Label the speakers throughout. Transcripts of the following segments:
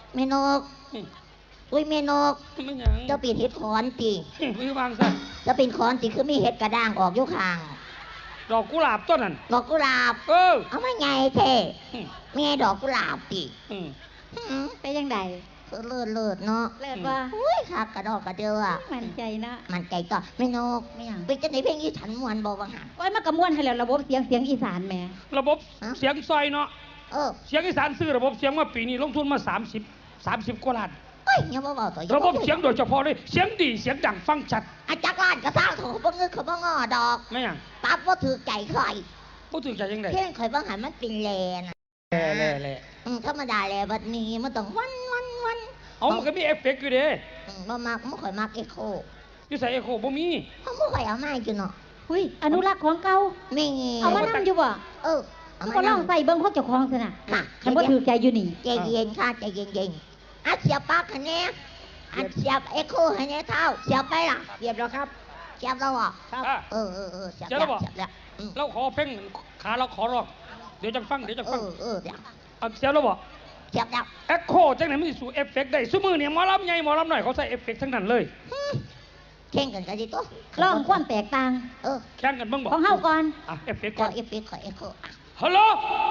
Speaker 1: เมนกอุ้ยเมนกเจ้าปีนเห็ดขอนตี
Speaker 2: มือวางซะ
Speaker 1: จะเป็นขอนตีคือมีเห็ดกระด้างออกยุคาง
Speaker 2: ดอกกุหลาบต้นนั้น
Speaker 1: ดอกกุหลาบเอามาไงเท่แม่ดอกกุหลาบตี
Speaker 3: ไปยังไง
Speaker 1: เลิศเนาะ
Speaker 3: เลิศว่า
Speaker 1: อุ้ยคักกระดอกกระเดือ
Speaker 3: มันใจนะ
Speaker 1: มันใจก็ไม่นกไม่ยังไปจะไหนเพลงอีสานมวนบอกว่าหา
Speaker 3: โอ้ยมากระมวนให้แล้วระบบเสียงอีสานแม่
Speaker 2: ระบบเสียงซอยเนาะเสียงอีสานซื้อระบบเสียงมาปีนี้ลงทุนมา30 กว่าล้าน
Speaker 1: เฮ้ยยังบ่บอกต่อ
Speaker 2: ระบบเสียงโดยเฉพาะเลยเสียงดีเสียงดังฟังชัด
Speaker 1: อาจารย์ล้านกระซ่าเขาบ่เงินเขาบ่งอดอก
Speaker 2: ไม่ยัง
Speaker 1: ปั๊บว่าถือใจใคร
Speaker 2: บ่ถือใจยังไง
Speaker 1: เพลงข่อยบ่หันมันเป็นแลนะ
Speaker 2: แล
Speaker 1: ธรรมดาแลบัดนี้มันต้องวัน
Speaker 2: เอามันก็มีเอฟเฟกต์อยู่เด้
Speaker 1: บ่มักบ่ค่อยมักเอโค
Speaker 2: อยู่ใส่เอโคบ่มี
Speaker 1: เขาบ่ค่อยเอามาอยู่เนาะ
Speaker 3: หุ้ยอนุรักษ์ของเก่า
Speaker 1: มี
Speaker 3: เอามานั่งอยู่บ่ก็ลองใส่เบิ่งเขาเจ้าของซะน่ะคันบ่ถือใจอยู่นี่
Speaker 1: ใจเย็นค่ะใจเย็นอัดเสียบปากคะแนนอัดเสียบเอโคให้แน่เท่าเสียบไปล่ะ
Speaker 3: เสียบแล้วครับ
Speaker 1: เสียบแล้วอ่ะ
Speaker 2: ครับ
Speaker 1: เสียบแล้ว
Speaker 2: เราขอเพลงขาเราขอร้องเดี๋ยวจะฟังเดี๋ยวเสียบแล้วบ่
Speaker 1: เสียบแล้ว
Speaker 2: เอ็กโคจังไหนมันสิสู่เอฟเฟกต์ได้ซุมื้อเนี่ยหมอลำใหญ่หมอลำน้อยเขาใส่เอฟเฟกต์ทั้งนั้นเลย
Speaker 1: แข่งกันดิตัว
Speaker 3: ลองความแตกต่าง
Speaker 2: แข่งกันบ้างบ่
Speaker 3: ของเฮาก่อน
Speaker 2: เอฟเฟกต์ก่อน
Speaker 1: เอฟเฟกต์ขอเอโค
Speaker 2: ฮัลโหล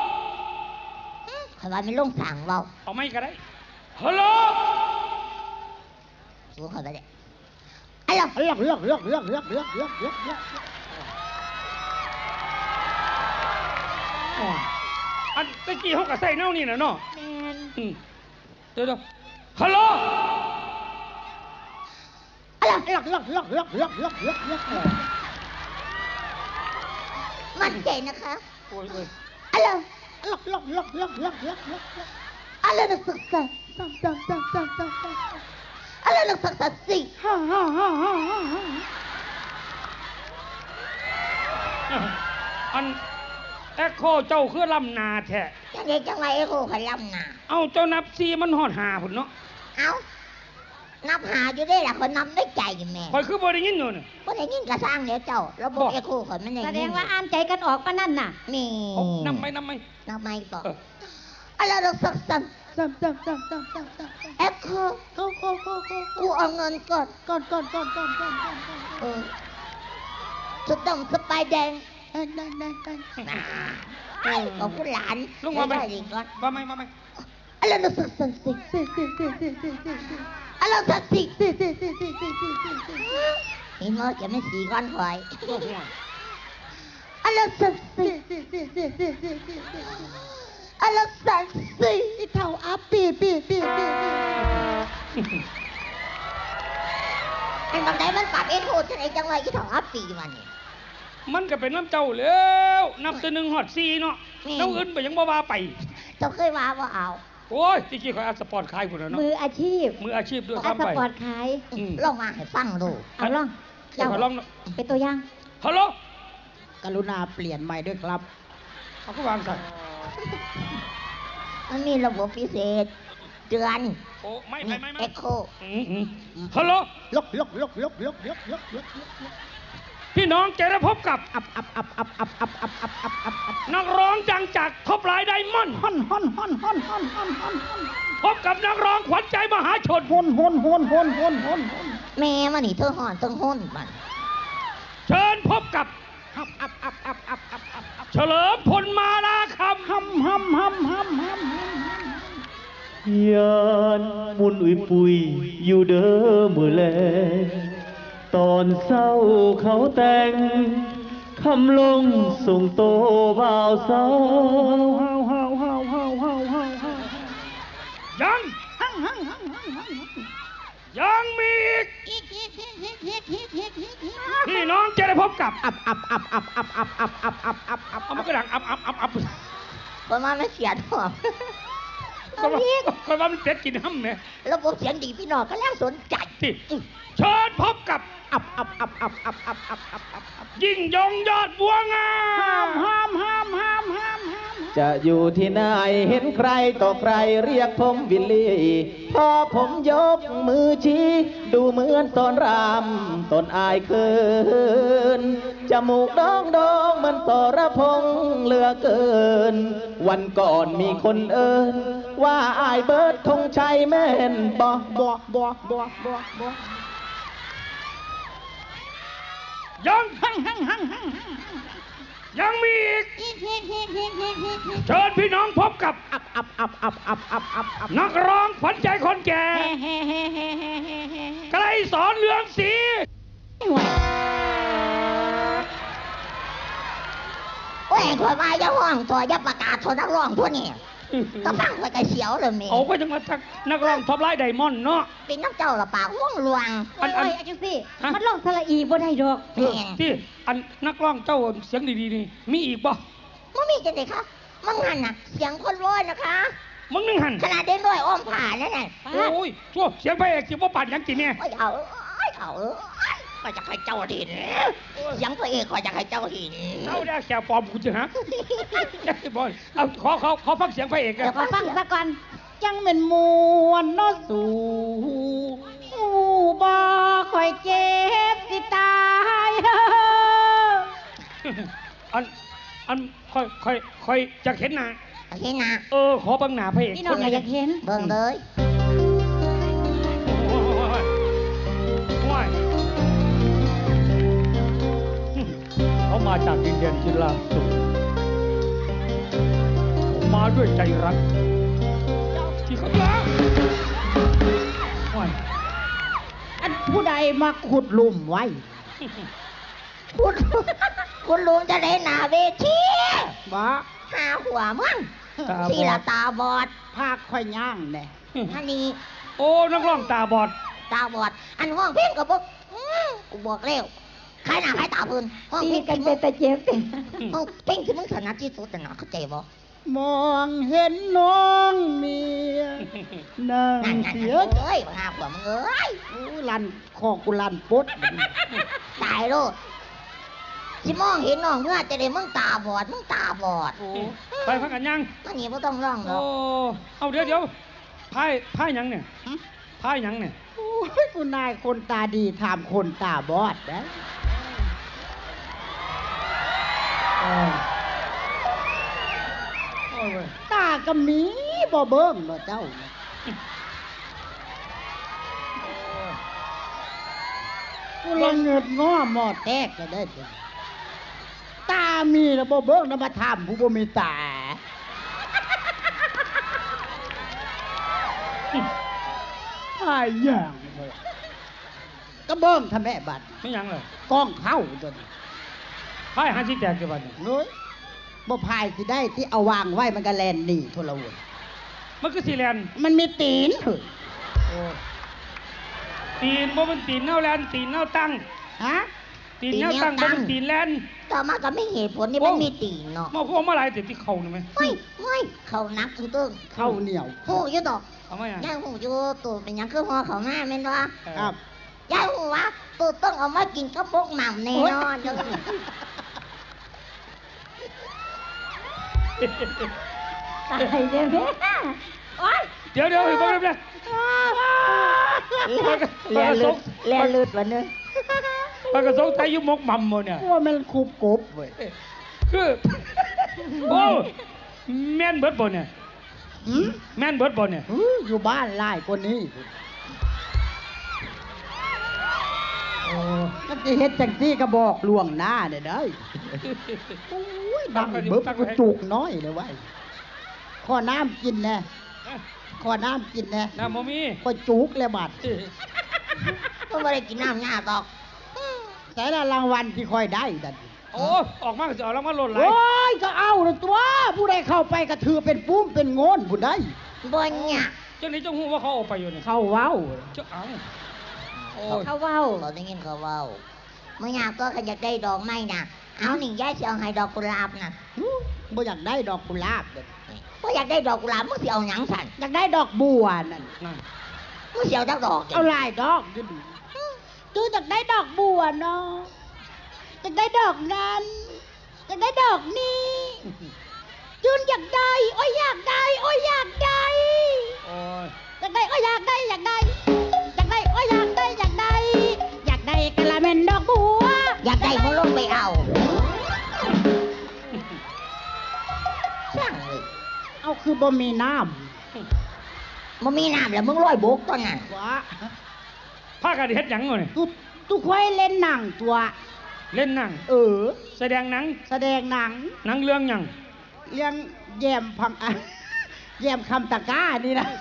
Speaker 1: ข่อยว่าไม่ลงสั่งเว้า
Speaker 2: เอาไม่ก็ได้ฮัลโหล
Speaker 1: สู้ข่อยไปเด้
Speaker 2: อันตะกี้เขาก็ใส่แนวนี่น่ะเนาะเดี๋ยวฮัลโหล
Speaker 1: มั่นใจนะคะ
Speaker 2: โอ้ย
Speaker 1: อะไรอะไรนักศึกษาอะไรนักศึกษาสิ
Speaker 2: อันเอ็กโคเจ้าคือลำนาแท้
Speaker 1: จังไรเอ็กโคขลำนา
Speaker 2: เอาเจ้านับซีมันหอดหาพุ่นเนาะ
Speaker 1: เอานับหาอยู่ได้ล่ะคนนับได้ใจแม่
Speaker 2: คอยคือบ่ได้ยินอยู่นี่
Speaker 1: บ่ได้ยินกระสร้างเดี๋ยวเจ้าระบบเอ็กโคข่อยมันได้
Speaker 3: แสดงว่าอ่านใจกันออกปะนั่นน่ะ
Speaker 1: นี่
Speaker 2: นับไหม
Speaker 1: ต่ออะไรนักศึกษาเอ็กโคกูเอาเงินก่อนสุดดงสไปแดงของคุณหลาน
Speaker 2: ลุงมาไหมมาไหม
Speaker 1: อะไรนักศึกษาสิอะไรนักศึกษาเห็นว่าจะไม่สีก้อนคอยอะไรนักศึกษาอะไรนักศึกษาสิเท่าอัปปีไอ้บางใดมันปรับเอ็กโคจะไหนจังไรที่เท่าอัปปี
Speaker 2: มันก็เป็นน้ำเจ้าแล้วนับตัวหนึ่งหอดซีเนาะน้ำอื่นไปยังบ้าไป
Speaker 1: เจ้าเคยว่าเอา
Speaker 2: โอ้ยจริงๆเขาอัดสปอร์ตคลายหมดแล้วเนาะ
Speaker 3: มืออาชีพ
Speaker 2: ด้วย
Speaker 3: ครับไปสปอร์ตคลาย
Speaker 1: ลองมาให้ฟังดู
Speaker 3: เอาลองเป็นตัวอย่าง
Speaker 2: ฮัลโหล
Speaker 1: กรุณาเปลี่ยนใหม่ด้วยครับ
Speaker 2: เขาก็วางใส่
Speaker 1: มันมีระบบพิเศษเดือน
Speaker 2: โอ้ไม่
Speaker 1: เอ็กโค
Speaker 2: ฮัลโหลพี่น้องจะได้พบกับนักร้องดังจากท็อปไลน์ไดมอนด์พบกับนักร้องขวัญใจมหาชน
Speaker 1: แม่มันนี่เธอห่อนต้องห้นมัน
Speaker 2: เชิญพบกับเฉลิมพลมาลาคำ
Speaker 4: ยานมุนอุยปุยอยู่เด้อมือแลตอนเศร้าเขาแต่งคำลงส่งโตบ่าวสาว
Speaker 2: ยังมีพี่น้องจะได้พบกับมันก็ดัง
Speaker 1: ประมาณไม่เสียดหรอก
Speaker 2: คนว่ามันเป็ดกินห้ำเนี่ย
Speaker 1: ระบบเสียงดีพี่น้องก็แล้วสนใจ
Speaker 2: เชิญพบกับยิ่งยงยอดบัวงาม
Speaker 4: ใจจะอยู่ที่ไหนเห็นใครต่อใครเรียกผมวิลลี่พอผมยกมือชี้ดูเหมือนตอนรำตนอายเคินจมูกดองดองมันต่อระพงเหลือเกินวันก่อนมีคนเอิญว่าอายเบิร์ดธงชัยแม่นบ่
Speaker 2: ยังมีอีกเชิญพี่น้องพบกับนักร้องขวัญใจคนแก่ไกลสอนเรืองศรี
Speaker 1: โอ้ยข่อยว่าอย่าห้องตัวอย่าประกาศโทรนักร้องพวกนี้ก็ฟังข่อยก็เสียวเลยแม่
Speaker 2: เอาไปจังมาทักนักร้องท็อปไลน์ไดมอนด์เนาะ
Speaker 1: เป็นน้ำเจ้าละปากห่วงลวง
Speaker 3: โอ้ยจังสิมันลองสระอีบ่ได้ดอก
Speaker 1: แม่
Speaker 2: ที่อันนักร้องเจ้าเสียงดีๆนี่มีอีกบ่
Speaker 1: มันมีจังไดคะมันหันน่ะเสียงคนร้อยนะคะ
Speaker 2: มึงนึงหัน
Speaker 1: ขนาดเด็กน้อยอ้อมผ่านนั่นน่ะ
Speaker 2: โอ้ยชั่วเสียงพระเอกสิบ่ปั่นหยังกินเนี่ย
Speaker 1: โอ้ยเอาก็จะให้เจ้าเห็นเสียงตัวเองก็จะให้เจ้าเห็น
Speaker 2: เอาได้แค่ปลอมกูจะฮะบอยเอาขอฟังเสียงพระเอกกัน
Speaker 3: เดี๋ยวขอฟังซะก่อนจังเป็นมวนเนาะสู่บ่ค่อยเจ็บสิตาย
Speaker 2: อันค่อยจะเห็นหน้า
Speaker 1: เห็นนะ
Speaker 2: ขอเบังหน้าพระเอก
Speaker 3: พี่น้องก็อยากเห็น
Speaker 1: เบิ่งเลย
Speaker 2: ว้ายเขามาจากดินแดนที่ลาบสูงผมมาด้วยใจรักที่เขารักว้าย
Speaker 5: อันผู้ใดมาขุดหลุมไว้
Speaker 1: คุณลุงจะได้หน้าเวที
Speaker 5: บ่
Speaker 1: หาหัวมึงทีละตาบอด
Speaker 5: ภาคค่อยย่างแน่
Speaker 1: อันนี้
Speaker 2: โอ้นักร้องตาบอด
Speaker 1: ตาบอด อันห้องเพ่งกับพวกกูบอกเร็วใครหน้าใครตาพื้นห้อง
Speaker 3: ตี
Speaker 1: เพ่ง
Speaker 3: กันเป็นตะเจ็บติ
Speaker 1: ห้องเพ่งคือมึงถนัดที่สุดนะเข้าใจบ่
Speaker 5: มองเห็นน้องเมียนั่ง
Speaker 1: นั่น
Speaker 5: เสีย
Speaker 1: เอ้ยหาหัวมึงเอ้ย
Speaker 5: อู้ลันคอกูลันปุ๊ด
Speaker 1: ตายโลดสิมองเห็นน้องเมื่อจะได้มึงตาบอดมึงตาบอด
Speaker 2: ไปพักกันยัง
Speaker 1: อันนี้ไม่ต้องร้องหร
Speaker 2: โอ้
Speaker 1: อก
Speaker 2: เอาเดี๋ยวพายหยังเนี่ยพายหยังเนี่ย
Speaker 5: โอ้ยกูนายคนตาดีถามคนตาบอดนะ
Speaker 2: โอ้ยเว้ย
Speaker 5: ตาก็มีบ่เบิ่งเนาะเจ้ากูละเงิดง้อหมอแตกก็ได้จ้ะตามีแล้วบ่เบิ่งนำมาถามผู้บ่มีตา หายอย่างเลยก็เบิ่งทำแม่บัด
Speaker 2: ไม่หยังเลย
Speaker 5: กล้องเข้าตัวนี้
Speaker 2: พายหันที่แตกกี่วันเนี่ย
Speaker 5: เฮ้ยบ่พายสิได้ที่เอาวางไว้มันก็แลนหนีโทรวน
Speaker 2: มันคือสีแลนด์
Speaker 5: มันมีตีนเฮ้ย
Speaker 2: ตีนบ่เป็นตีนเน่าแลนด์ตีนเน่าตั้ง
Speaker 5: ฮะ
Speaker 2: ตีนเน่าตั้งบ่เป็นตีนแลนด์
Speaker 1: ต่อมาก็ไม่เหตุผลนี่มันมีตีนเนาะ
Speaker 2: มาพวกมาหลายติดที่เข่านี่ไหม
Speaker 1: เฮ้ยเขานักตึ้ง
Speaker 5: เข้าเหนียว
Speaker 1: หูอยู่ดอก
Speaker 2: เอาไหมอ่ะ
Speaker 1: ย่างหูอยู่ตัวเป็นหยังคือหัวเขามาแม่นวะ
Speaker 5: ครับ
Speaker 1: ย่างหูวะตัวต้องเอามากินกับพวกหม่ำแน่นอนเด้อ
Speaker 3: ตายเด้อแม่โอ๊ย
Speaker 2: เดี๋ยวเฮ้ยบ่ได้เรียนลุดวันนึงปากกระสงไทยยุมกมัมโมเนี่ย
Speaker 5: ว่ามันคูบกบเว้ย
Speaker 2: คือโอ้แม่นเบิดบ่เนี่ย
Speaker 5: หืม
Speaker 2: แม่นเบิดบ่เนี่ย
Speaker 5: อยู่บ้านหลายกว่านี้มันจะเฮ็ดจังซี่ก็บอกล่วงหน้าเด้อเด้อโอ้ยดังเบิบกูจุกน้อยเลยเว้ยขอน้ำกินแน่ขอน้ำกินแน่
Speaker 2: น้ำบ่มี
Speaker 5: ก็จุกเลยบัด
Speaker 1: มันไม่ได้กินน้ำยาดอก
Speaker 5: แต่ละรางวัลที่ค่อยได้ดัน
Speaker 2: โอ้ออกมาก็สิเอาแล้วมาหล่นไหล
Speaker 5: โอ้ยก็เอาละตัว ผู้ใดเข้าไปก็ถือเป็นปุ้มเป็นโงนผู้ใด
Speaker 1: บนเนี่ย
Speaker 2: จังนี้จังฮู้ว่าเขาออกไปอยู่นี่
Speaker 5: เข้าเว้า
Speaker 2: เจ้าเอาโอ้ย
Speaker 3: เขาเว้า
Speaker 1: เราได้ยินเขาเว้าเมื่อยากก็ขยักได้ดอกไม้น่ะเอานี่ยายจะเอาให้ดอกกุหลาบน่ะ
Speaker 5: บ่อยากได้ดอกกุหลาบเด้อ
Speaker 1: เพราะอยากได้ดอกกุหลาบมึงสิเอาหยังสั่น
Speaker 5: อยากได้ดอกบัวนั่น
Speaker 2: นั่น
Speaker 1: มึงสิเอาจักดอก
Speaker 5: เอาหลายดอกอยู่ดิจูอยากได้ดอกบัวเนาะอยากได้ดอกนั้นอยากได้ดอกนี้
Speaker 3: จืนอยากได้โอ้ยอยากได้โอ้ยอยากได้
Speaker 2: โอ้ย
Speaker 3: อยากได้โอ้ยอยากได้อยากได้อยากได้โอ้ยอยากได้อยากได้อยากได้กะละเม็นดอกบัว
Speaker 1: อยากได้มึงลงไปเอาช่างเลย
Speaker 5: เอาคือบ่มีน้
Speaker 1: มันมีน้ำแล้วมึงลอยบกตอนนั้น
Speaker 5: ำวะ
Speaker 2: พากันเฮ็ดหยังวะเนี่ย
Speaker 5: ตุกไว้เล่นหนังตัว
Speaker 2: เล่นหนัง แสดงหนัง
Speaker 5: แสดงหนัง
Speaker 2: หนังเรื่องหยัง
Speaker 5: เรื่องแยมพังอะแยมคำตะกร้านี่นะ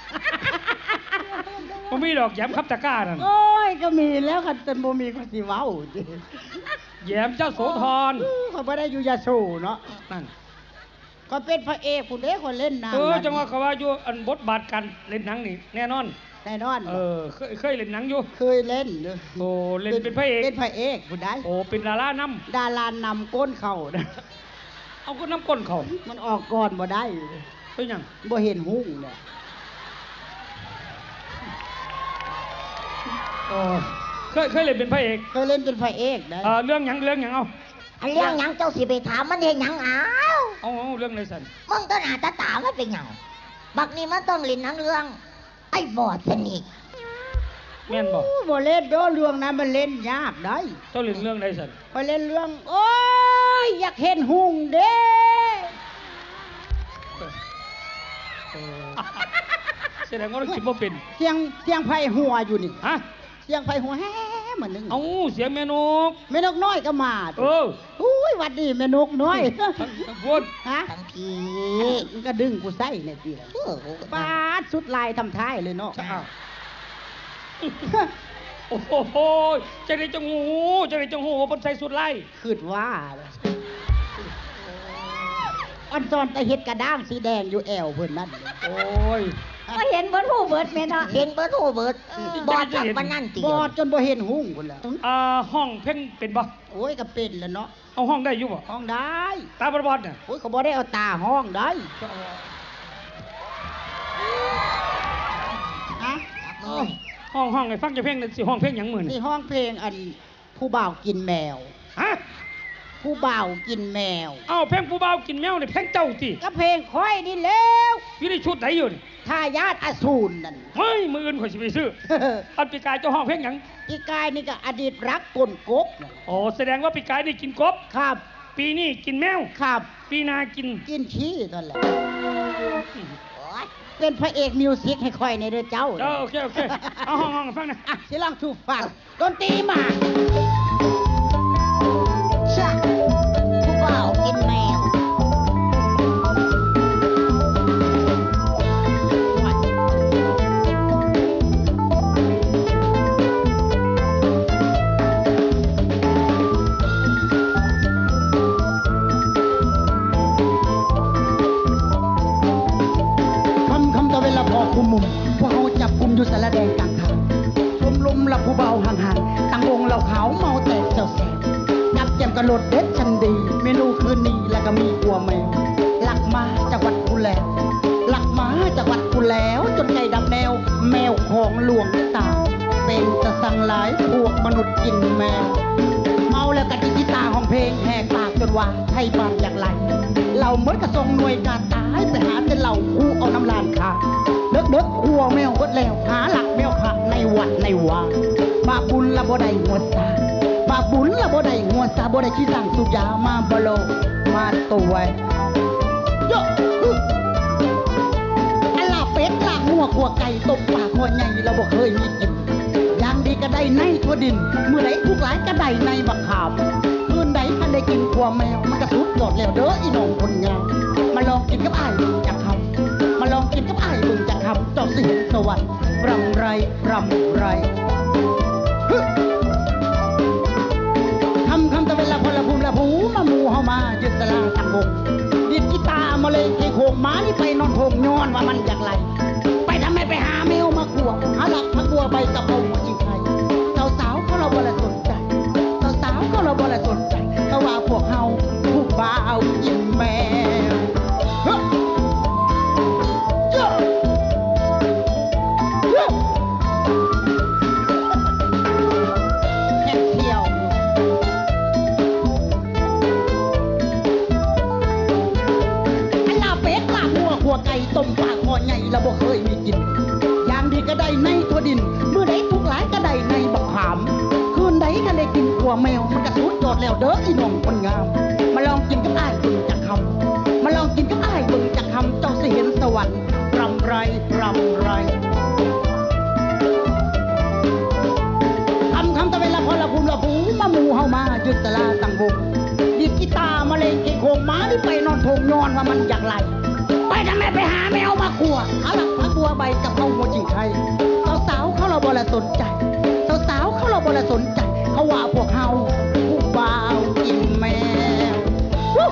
Speaker 2: บ่มีดอกแย้มครับตะกร้านั่น
Speaker 5: โอ้ยก็มีแล้วกันแต่บ่มีคนสิเว้าจิ
Speaker 2: แย้มเจ้าโสธร
Speaker 5: เขาบ่ได้อยู่ยาโสเนาะ
Speaker 2: นั่น
Speaker 5: ก็เป็นพระเอกคุณเด้คนเล่นหนัง
Speaker 2: จังว่าเขาว่าอยู่อันบทบาทการเล่นหนังนี่แน่นอน
Speaker 5: แน่นอน
Speaker 2: เคยเล่นหนังอยู่
Speaker 5: เคยเล่นเลย
Speaker 2: โอ้เล่นเป็นพระเอก
Speaker 5: เป็นพระเอกคุณได้
Speaker 2: โอ้เป็นดารานำ
Speaker 5: ดารานำก้นเข่านะ
Speaker 2: เอาก็น้ำก้นเขา
Speaker 5: มันออกก่อนบ่ได้
Speaker 2: เป็นหยัง
Speaker 5: บ่เห็นหุ้งเนี่ย
Speaker 2: โอ้เคยเล่นเป็นพระเอก
Speaker 5: เคยเล่นเป็นพระเอกได้
Speaker 2: เรื่องหยังเอา
Speaker 1: อันเรื่องหยังเจ้าสิไปถามมันเห็นหยังอ้าว
Speaker 2: เอาเรื่องไหนสัน
Speaker 1: มึงต้นหาตาตามันเป็นหยังบักนี้มันต้องเล่นหนังเรื่อง ไอ้บอดสนิท
Speaker 2: แม่นบอก
Speaker 5: บ่เล่นเด้อเรื่องนั้นมันเล่นยากได้
Speaker 2: เจ้าเล่นเรื่องไหนสัน
Speaker 5: พอเล่นเรื่อง โอ้ยอยากเห็นหุ้งเด้
Speaker 2: แสดงว่าเราคิดว่าเป็น
Speaker 5: เสียงไผ่หัวอยู่นี่
Speaker 2: ฮะ
Speaker 5: เสียงไผ่หัวแฮ่เหมือนนึง
Speaker 2: เอาเสียงแม่นก
Speaker 5: แม่นกน้อยก็มา อุ้ยหวัดดีแม่นกน้อย
Speaker 2: ทั้งพูด
Speaker 5: ฮะ
Speaker 1: ทั้งที
Speaker 5: มันก็ดึงกูใส่เนี่ยทีละ
Speaker 1: เออ
Speaker 5: ปาดสุดลายทำท้ายเลยเนาะ
Speaker 2: โอ้โหจะได้จังหูบนใส่สุดไล่
Speaker 5: คิดว่าอันตอนไปเฮ็ดกระด้างสีแดงอยู่แอวเพิ่นนั่น
Speaker 2: โอ้ย
Speaker 3: ก็เห็นเบิดหูเบิดแม่เนาะ
Speaker 1: เห็นเบิร์ดโหเบิร์ดบอดจับปานนั่นตี
Speaker 5: บอดจนบ่เห็นหุ้งพุ่นแล้ว
Speaker 2: ห้องเพ่งเป็นบ่
Speaker 5: โอ้ยก็เป็นแล้วเนาะ
Speaker 2: เอาห้องได้อยู่บ่
Speaker 5: ห้องได้
Speaker 2: ตาบอดเนี่ย
Speaker 5: โอ้ยเขาบ่ได้เอาตาห้องได้ฮะ
Speaker 2: ห้องไอ้ฟังจะเพ่งนั่นสิห้องเพ่งหยังหมื่น
Speaker 5: นี่ห้องเพลงอันผู้บ่าวกินแมว
Speaker 2: ฮะ
Speaker 5: ผู้บ่าวกินแมว
Speaker 2: เอาเพ่งผู้บ่าวกินแมวเนี่ยเพ่งเจ้าติ
Speaker 5: ก็เพลงค่อยนี่แล้ว
Speaker 2: อยู่ในชุดไหนอยู่นี่
Speaker 5: ทายาทอสูรนั่น
Speaker 2: เฮ้ยมืออื่นข่อยสิไปซื้ออันปีกายเจ้าห้องเพ่งหยัง
Speaker 5: อีกายนี่ก็อดีตรักกลกบน่ะ
Speaker 2: โอ้แสดงว่าปีกายนี่กินกบ
Speaker 5: ครับ
Speaker 2: ปีนี้กินแมว
Speaker 5: ครับ
Speaker 2: ปีหนากิน
Speaker 5: กินขี้นั่นแหละ
Speaker 1: โอ๊ย
Speaker 5: เป็นพระเอกมิวสิกให้ค่อยในเด้อเจ้า
Speaker 2: โอเคเอาห้องฟังนะ
Speaker 5: อ่ะสิลองถูกฟังดนตรีมา
Speaker 1: ชะผู้บ่าวกินแมว
Speaker 5: คำตะเวลาพอคุมมุมพวกเขาจับกุมอยู่สารแดงกลางทางชมลมละผู้เบาห่างๆตั้งวงเหล่าขาวเมาแต่เจ้าแสบจับแจมกระโดดเด็ดชันดี เมนูคืนนี้แล้วก็มีกัวแมวหลักมาจากวัดกูแล้วหลักมาจากวัดกูแล้ว จนใจดำแนว แมวของหลวงตา เป็นตะสังหลายพวกมนุษย์กินแมว เมาแล้วกะดิกีตาของเพลงแหกปากจนว่าไทยบานอย่างไรเราเมื่อกระทรงหน่วยการตายไปหาแต่เหล่าคู่เอาน้ำลานขาเด็กๆครัวแมวกดแล้วหาหลักแมวขาในวัดในวาบาปบุญละบ่ได้หัวซาบาปบุญละบ่ได้หัวซาบ่ได้ขี้สั่งสุยามาบโลมาตัวโยอันลาเป็ดลาหัวขัวไก่ตบปากหัวใหญ่เราบ่เคยมีกินอย่างดีก็ได้ในทั่วดินเมื่อไหรทุกหลายก็ได้ในบักขามคืนใดถ้าได้กินขัวแมวมันก็สุดยอดแล้วเด้ออีน้องคนงามมาลองกินกับอ้ายบึงจากคำมาลองกินกับอ้ายบึงจากคำเจ้าสิสวรรค์รำไรรำไรฮึคำตะเวลาพลภูมิละผูมาหมูเฮามายึดตลาดตั้งวงดิดกีตาร์มาเลยไอ้โขงหมานี่ไปนอนโขงย้อนว่ามันอยากไรไปทำไมไปหาแมวมาขวบหาหลักพักบัวใบกระเพราอีกใครสาวๆก็เราบ่ละสนใจสาวๆก็เราบ่ละสนใจเขาว่าพวกเฮาผู้บ่าวกินแมวฮึโย่โย่แค่เที่ยวก็ได้ในทั่วดินเมื่อใดทุกหลายก็ได้ในบักขามคืนใดก็ได้กินกัวแมวมันกระสุดยอดแล้วเด้ออีน้องคนงามมาลองกินกับอ้ายเบิ่งจักคำมาลองกินกับอ้ายเบิ่งจักคำเจ้าสิเห็นสวรรค์รำไรรำไรคำตะเวลาพอละภูมิละภูมาหมู่เฮามายึดตลาตั้งวงดิดกีตาร์มาเล่นเกโคงม้าที่ไปนอนทงนอนว่ามันอยากไหลไปทำไมไปหาแมวมาขัวเอาละพักบัวใบกับเอาหัวจิงไทยสาวๆเขาเราบ่ละสนใจสาวๆเขาเราบ่ละสนใจเขาว่าพวกเฮาผู้บ่าวกินแมว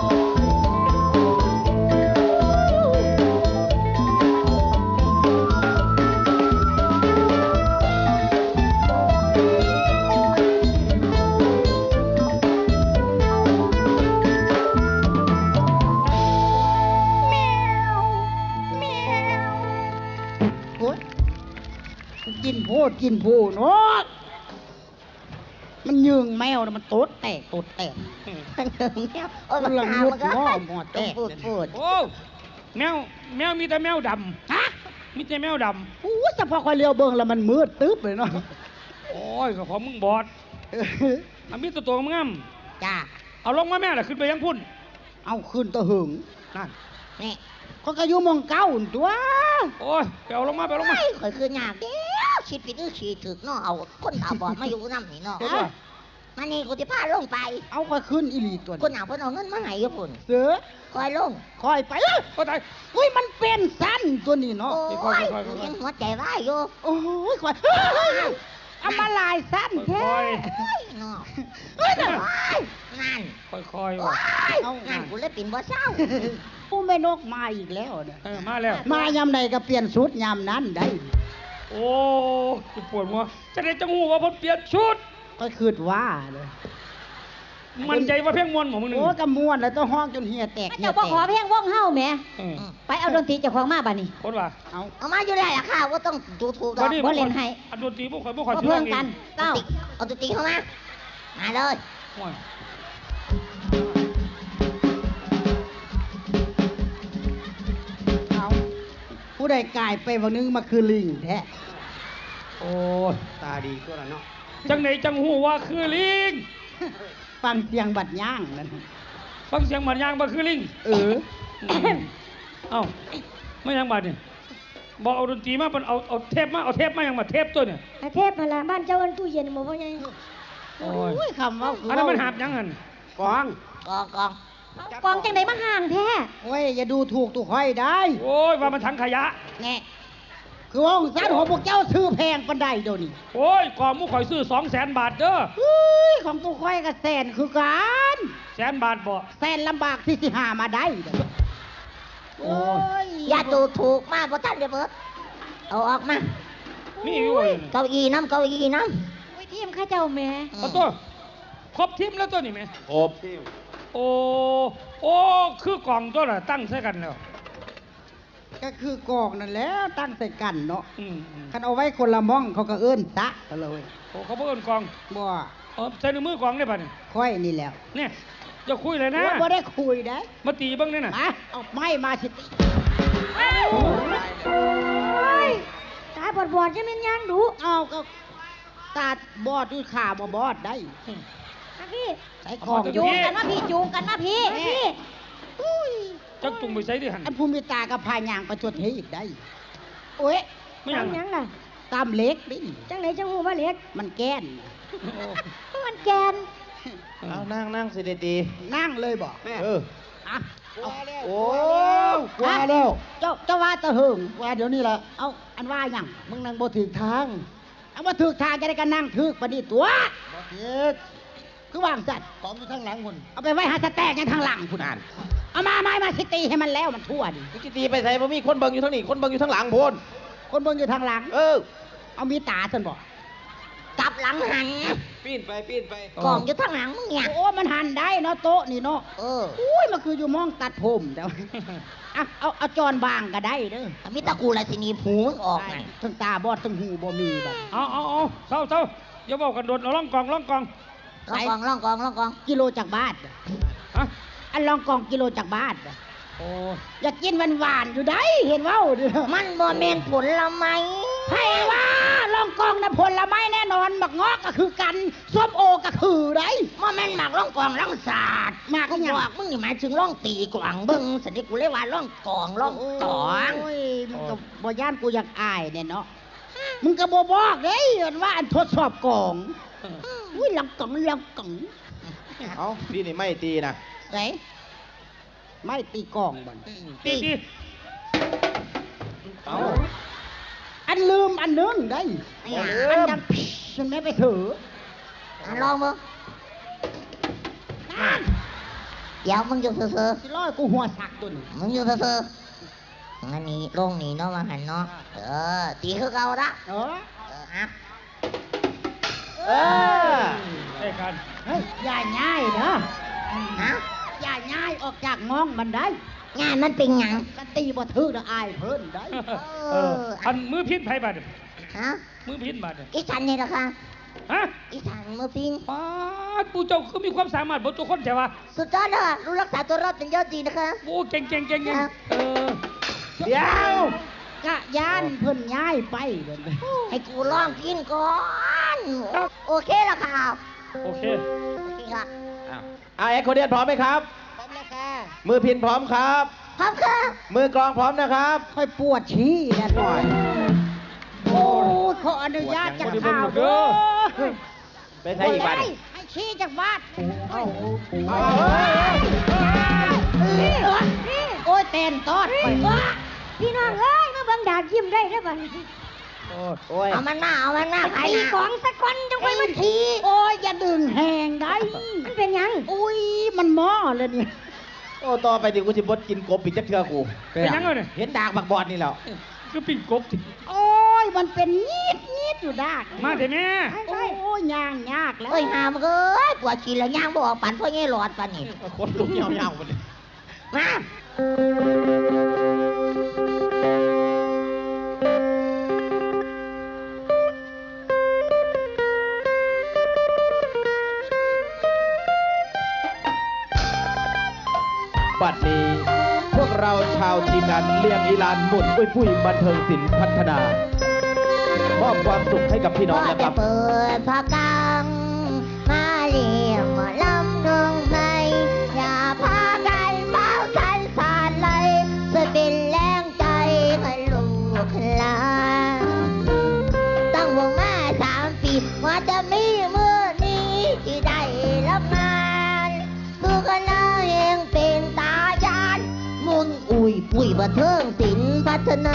Speaker 5: กินโพดเนาะมันยืงแมวนะมันโตดแตก
Speaker 1: มันเดิมแมวโอ้ย
Speaker 5: มันละงดง้อหมอแตก
Speaker 1: พูด
Speaker 2: โอ้แมวมีแต่แมวดำ
Speaker 5: ฮะ
Speaker 2: มีแต่แมวด
Speaker 5: อู้เฉพาะคอยเลี้ยวเบิ่งแล้วมันมืดตึ๊บเลยเนาะ
Speaker 2: ำโอ้ยก็ของมึงบอดมันมีตัวงาม
Speaker 1: จ้า
Speaker 2: เอาลงมาแม่ล่ะขึ้นไปยังพุ่น
Speaker 5: เอาขึ้นตะหึง
Speaker 2: นั่น
Speaker 1: นี่
Speaker 5: เขาก็อยู่มองเก้าหั่นตัว
Speaker 2: โอ้ยไปเอาลงมาไปเอาลงมา
Speaker 1: ข่อยคือยากเดียวชิดผิดหรือฉีดถึกเนาะเอาคนตาบอดมาอยู่น้ำนี่เนาะ
Speaker 2: เห็นป่ะ
Speaker 1: มานี่กูจะพาลงไป
Speaker 5: เอาก็ขึ้นอีหลีตัว
Speaker 1: คนเอาเพิ่นเอาเงินมาให้อยู่พุ่น
Speaker 5: เสือ
Speaker 1: คอยลง
Speaker 5: คอยไปเลย
Speaker 2: โอ้ตาย
Speaker 5: อุ้ยมันเป็นสั้นตัวนี้เนาะ
Speaker 1: โอ้
Speaker 2: ค่อย
Speaker 1: ย
Speaker 2: ๆ
Speaker 1: ยังหัวใจว่ายอยู่
Speaker 5: โอ้ยคอยเอามาลายสั้นแท้
Speaker 2: ค่อย
Speaker 1: เฮ้ยเนาะเฮ้ยนั่น
Speaker 2: ค่อย
Speaker 1: โอ้
Speaker 2: ว่ะ
Speaker 1: ยนั่นกูเลยปิ่นบ่เศร้า
Speaker 5: ผู้แม่นกมาอีกแล้วเนี่ย
Speaker 2: มาแล้ว
Speaker 5: มายามใดก็เปลี่ยนชุดยามนั้นได้
Speaker 2: โอ้กูปวดหัวจะได้จังหูว่าผมเปลี่ยนชุด
Speaker 5: ก็คืดว่าเลย
Speaker 2: มันใจว่าเพ่งมวนของมึงหนึ่ง
Speaker 5: โอ้กำมวนแล้วต้องห้องจนเหียแตก
Speaker 3: เจ้าบ่ขอเพลงว่องเฮาแหม
Speaker 2: เออ
Speaker 3: ไปเอาดนตรีเจ้าของมาบัดนี้
Speaker 2: คนว่า
Speaker 5: เอา
Speaker 1: เอามาอยู่ได้ล่ะค่ะว่าต้องดูถูกด
Speaker 2: วั
Speaker 1: อน ก
Speaker 2: นี้
Speaker 3: บ่เล่นให้
Speaker 2: อันดนตรีพวกข่อย
Speaker 3: บ่
Speaker 2: ชื่
Speaker 3: เพิ่
Speaker 2: อง
Speaker 3: กันเก้า
Speaker 1: เอาตุ๊ตีเข้ามามาเลย
Speaker 2: โอ้ย
Speaker 5: เอาผู้ใดกลายไปวันนึงมาคือลิงแท้
Speaker 2: โอ้ย
Speaker 5: ตาดีก็แล้วเนาะ
Speaker 2: จังไหนจังหูว่าคือลิง
Speaker 5: ฟังเสียงบัดย่างนั่น
Speaker 2: ฟังเสียงมันยางบ่คือลิง
Speaker 5: เออ
Speaker 2: เอ้าไม่ยังบาดนี่บอกเอาดนตรีมาเป็นเอาเทปมาเอาเทปมายังมาเทปตัวเนี่ย
Speaker 3: อาเทพมาละบ้านเจ้าอันตู้เย็นบ่พ่อใหญ่
Speaker 2: โอ้ย
Speaker 5: อุ้ยคำว่าคื
Speaker 2: อันนั้นมันหาบยังหัน
Speaker 5: กอง
Speaker 1: กอง
Speaker 3: กองจังไดมาห่างแท้
Speaker 5: โอ้ยอย่าดูถูกตุกห้อยได้
Speaker 2: โอ้ยว่ามันถังขยะ
Speaker 5: แน่คือว่าองศาของพวกเจ้าซื้อแพงปันใดเดี๋ยวนี้
Speaker 2: โอ้ยกองมุกข่อยซื้อ200,000 บาทเด้อ
Speaker 5: อุ้ยของตุกห้อยกับแสนคือกัน
Speaker 2: 100,000 บาทบ่
Speaker 5: แสนลำบากที่สิหามาได้เด้อโอ้ย
Speaker 1: อย่าดูถูกมาบ่ทันเดี๋ยวเบิดเอาออกมา
Speaker 2: มีอยู่เว้ย
Speaker 1: เก้าอี้น้ำ
Speaker 3: อุ้ยทีมข้าเจ้าแหม่
Speaker 2: เอาตัวครบทีมแล้วตัวนี้ไหม
Speaker 4: ครบ
Speaker 2: โอ้คือกล่องตัวน่ะตั้งใส่กันแล้ว
Speaker 5: ก็คือกองนั่นแหล้วตั้งใส่กันเนาะ
Speaker 2: อืม
Speaker 5: คันเอาไว้คนละม่องเขาก็เอิ้นตะกันเลย
Speaker 2: โอ้เขาเพิ่นกล่อง
Speaker 5: บ่
Speaker 2: ใส่ในมือกล่องได้ป่ะเนี่ย
Speaker 5: ค่อยนี่แหล้ว
Speaker 2: เนี่ยจะคุยเลยนะ
Speaker 5: บ่ได้คุยได้
Speaker 2: มาตีเบ้างเนี่ยน่ะ
Speaker 5: มาเอาไม้มาสิ
Speaker 3: ตาบอดๆจะแม่นยังดุ
Speaker 5: เอาก็ตาบอดด้วยขาบ่บอดได้
Speaker 3: มาพี่
Speaker 5: ใส่ของ
Speaker 3: จูงกันมาพี่จูงกันมาพี่พี่
Speaker 5: อุ้ย
Speaker 2: จักจุงไปใส่ดิหัน
Speaker 5: อันภูมิตากับพายางประจวดเทอีกได้โอ้ย
Speaker 2: ไม่ยัง
Speaker 3: ทำยังล่ะ
Speaker 5: ตามเล็กดิ
Speaker 3: จังไหนจังหูว่าเล็ก
Speaker 5: มันแก้น
Speaker 3: มันแกน
Speaker 4: เอานั่งสิดี
Speaker 5: นั่งเลยบ่
Speaker 4: ๆเออ
Speaker 5: อ่ะเอา
Speaker 4: โอ้
Speaker 5: กว่าแล้วเจ้าว่าตะเหิงว่าเดี๋ยวนี้ล่ะเอาอันว่าหยังมึงนั่งบ่ถึกทางเอาบ่ถึกทางจะได้กันนั่งถึกปานนี้ตัวบ่ถึกคือวางสัตว์ของอยู่ทางหลังพุ่นเอาไปไว้หาสแตกยังทางหลังพุ่นอ่านเอามาไม้มาสิตีให้มันแล้วมันทั่วดิ
Speaker 4: มึงสิตีไปใส่บ่มีคนเบิ่งอยู่ทางนี้คนเบิ่งอยู่ทางหลังโพน
Speaker 5: คนเบิ่งอยู่ทางหลัง
Speaker 4: เออ
Speaker 5: เอามีตาซั่นบ่
Speaker 1: กลับหลังหัน
Speaker 4: ปีนไป
Speaker 1: กล่องอยู่ทางหลังมึงเนี่ย
Speaker 5: โอ้มันหันได้เนาะโต๊ะนี่เนาะ อุ้ยมันคืออยู่มองตัดผมแต่ว่า เอาจอนบางก็ได้เด้อ
Speaker 1: มิตรกูละสิหนีผูมึงออกไง
Speaker 5: ทั้งตาบอดทั้งหูบ่มีแบบ
Speaker 2: เอาเศร้าอย่าบอกกันโดดเอาล่องกอง
Speaker 1: ล่องกอง
Speaker 5: กิโลจากบ้าน
Speaker 2: ฮะ
Speaker 5: อันลองกองกิโลจากบ้าน
Speaker 2: โอ้
Speaker 5: อยากกินหวานๆอยู่ได้เห็นเว้าเด้อ
Speaker 1: มันบ่แม่นผลไม้
Speaker 5: ให้ว่าลองกองนะผลไม้แน่นอนหมักงอกก็คือกันส้มโอก็คือได้
Speaker 1: ว่าแม่นหมากล่องกองล่องศาสตร์
Speaker 5: หมาก
Speaker 1: กู
Speaker 5: หยัง
Speaker 1: บอกมึงนี่หมายถึงล่องตีกวางเบิ้งสนิทกูเลยว่าล่องกองล่องตอง
Speaker 5: โอ้ยมึงก็บ่ย่านกูอยากอายเนี่ยเนาะมึงก็บ่บอกเด้ว่าอันทดสอบกองอุ้ยลังกอง
Speaker 6: เอ้าพี่นี่ไม่ตีนะ
Speaker 5: ไหนไม่ตีกองบ่น
Speaker 2: ตี
Speaker 6: เอ้า
Speaker 5: อันลืมอันนึงได้
Speaker 1: ไม่หา
Speaker 5: อันดังพิชฉันไม่ไปถือ
Speaker 1: อันลองมึงเดี๋ยวมึงอยู่เซ่อ
Speaker 5: สิร้อยกูหัวสักตัวนี้
Speaker 1: ๆมึงอยู่เซ่อๆอันนี้ลงนี่เนาะมาหันเนาะตีคือเก่าละ
Speaker 5: เออ
Speaker 1: อ่ะ
Speaker 6: เออ
Speaker 2: ได้กัน
Speaker 5: เฮ้ยอย่าง่ายเนาะ
Speaker 1: ฮะ
Speaker 5: อย่าง่ายออกจากมองมันได้
Speaker 1: งานมันเป็นหยัง
Speaker 5: กันตีบ่ถือเด้ออายเพิ่นได้
Speaker 2: อันมือพิษไผบาด
Speaker 1: ฮะ
Speaker 2: มือพิษบาด
Speaker 1: อีฉันนี่นะคะ
Speaker 2: ฮะ
Speaker 1: อีฉันมือปิง
Speaker 2: ป้าดปูเจ้าคือมีความสามารถบนตัวคนใช่ปะ
Speaker 1: สุดยอดเลยค่ะรู้รักษาตัวรอดเป็นยอดจริงนะคะ
Speaker 2: โอ้เก่ง
Speaker 1: ครับ
Speaker 6: เดี๋ยว
Speaker 5: กะย่านเพิ่นย้ายไปเด้อ
Speaker 1: ให้กูลองกินก่อน โอเคแล้วค่ะ
Speaker 2: โอเค
Speaker 1: โอเคค่ะ
Speaker 6: อ้าวเอ็กโคเดียนพร้อมไหมครับ
Speaker 1: พร้อมแล้วค่ะ
Speaker 6: มือพินพร้อมครับ
Speaker 1: พร้อมค่ะ
Speaker 6: มือกลองพร้อมนะครับ
Speaker 5: ค่อยปวดชี้นะหน่อยโอ้ยขออนุญาตจากข่าวเด้อ
Speaker 6: ไปใช้อีกบัตร
Speaker 5: ให้ชี้จากบ้าน โอ้ยเต้นตอดไป
Speaker 3: พี่น้องเอ้ยมาเบิ่งดากยิ้มได้เด้อบัดนี้
Speaker 6: โอ้ย
Speaker 1: เอามันหน้าใคร
Speaker 3: ตี
Speaker 1: นะ
Speaker 3: ของสักคนจังไปมันที
Speaker 5: โอ้ยอย่าดึงแหงได้
Speaker 3: มันเป็นหยัง
Speaker 5: อุ้ยมันหม้อเลยนี่
Speaker 6: โอ้ต่อไปดิกูสิบดกินกบอีกจักเทือกู
Speaker 2: เป็นยังไงเนี่ย
Speaker 6: เห็นดากบักบอดนี่แล้ว
Speaker 2: คือปิ่งกบสิ
Speaker 5: โอ้ยมันเป็นงีดอยู่ดาก
Speaker 2: มาเถอะแม่
Speaker 5: โอ้ยย่างยากแล้ว
Speaker 1: เอ้ยหามเอ้ยปวดขี้แล้วย่างบออกปั่นพ่อแง่หลอดปั่นนี่
Speaker 6: คนลุกเหี่ยวๆหมดเลย
Speaker 1: มา
Speaker 6: บัดนี้ พวกเราชาวทีมงานเลียงอีลานหมุนอุ้ยปุ้ยบันเทิงศิลป์พัฒนามอบความสุขให้กับพี่น้อง
Speaker 1: พ่อ
Speaker 6: นะค
Speaker 1: จะ
Speaker 6: รับ
Speaker 1: เปิดผ้ากังมาเลี้ยงหมอลำน้องใหม่อย่าพากันเมาทันสาดเลยจะเป็นแรงใจให้ลูกหลานตั้งวงมา3 ปีว่าจะมีมือนี้ที่ได้รับงานสู้กันแล้วยังเป็นตายานมุนอุ้ยปุ้ยบันเทิงศิลป์พัฒนา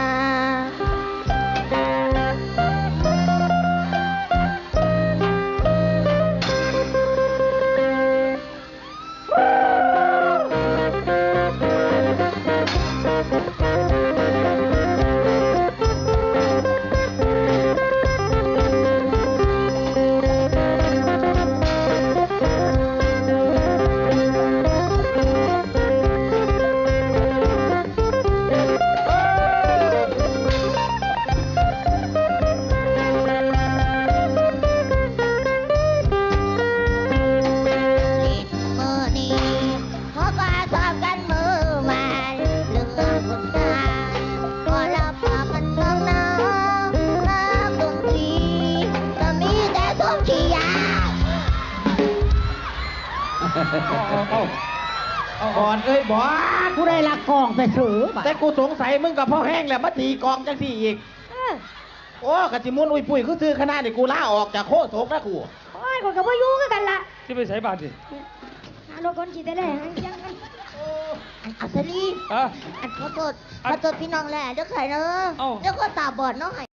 Speaker 1: ลิดมือนี้เพราะว่าชอบกันมือมันเรื่องคนงานพอเราพามันเมืองน้ำน้ำตรงทีก็มีแต่ส้มขี้ยา
Speaker 6: บอดเอ้ยบอด
Speaker 5: ผู้ใดลักกองไปถือบัด
Speaker 6: แต่กูสงสัยมึงกับพ่อแห้งแหละมาตีกองจังสี่อีก โอ้กะจิมุนอุ้ยปุ้ยคือซื้อขนาดนี่กูลาออกจากโคตรนะกู
Speaker 3: โอ้ยก็บ่อยู่คือกันล่ะ
Speaker 2: ที่ไปใส่บาตรสิ
Speaker 3: หารถคนสิได้แล้ยังกัน
Speaker 1: อัศรี
Speaker 2: อ่ะ
Speaker 1: ขอโทษพี่น้องแหละเดี๋ยวใครเนอะ
Speaker 2: เอ้า
Speaker 1: เดี๋ยวก็ตาบอดเนาะ